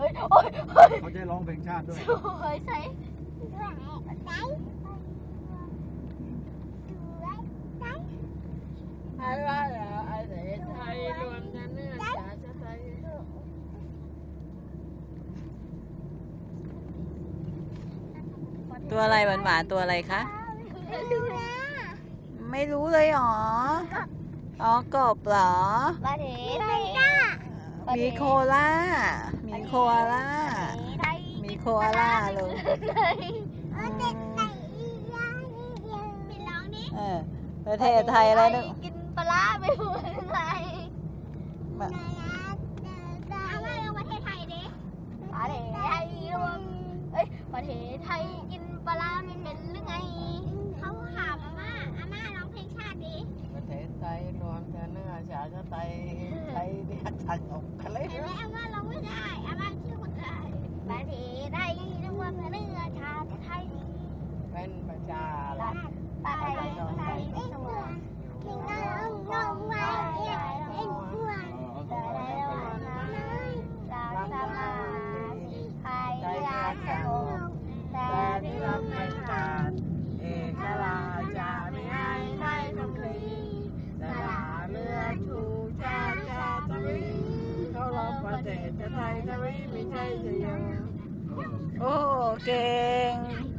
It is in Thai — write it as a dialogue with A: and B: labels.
A: โอ้ยโอ้ย
B: เขาจะร้องเพลงชาติด้วย
A: สวยใส่อะไรอะไรไทยรวมกันเนื้อชาติไทย
C: ตัวอะไรหวานๆตัวอะไรคะ ไม่รู้เลยหรอ อ๋อกบเหรอ
A: ประเทศไทย
C: มีโคล่า มีโคอาล่า มีโคอาล่าลูกประเทศไทยอะไรนึก
A: กินปลาไม่พูดอะไรประเทศไทยดิประเทศไทยรวมประเทศไทยกินปลาไม่เป็นหรือไงเขาถามอาม่าร้องเพลงชาติดิประเทศไทยรวมกันเนื้อชาติไทยไทยเดียดชันอกกันเลยเห็นไหมอาม่าร้องไม่ได้อาม่าชื่อคนไทยประเทศไทยรวมกันเนื้อชาติไทยเป็นประชารัฐประเทศไทยสวรรค์งงไว้เอ็งอ้วนแต่ได้วันนั้นเราสมาธิไทยรักสงบแต่ที่เราเป็นการเอกราชจะไม่ให้ไทยต้องคลีสละเลือดชูชาติชาตรีเขารบประเทศไทยจะไม่ใช่จะยัง
C: โอ้เก่ง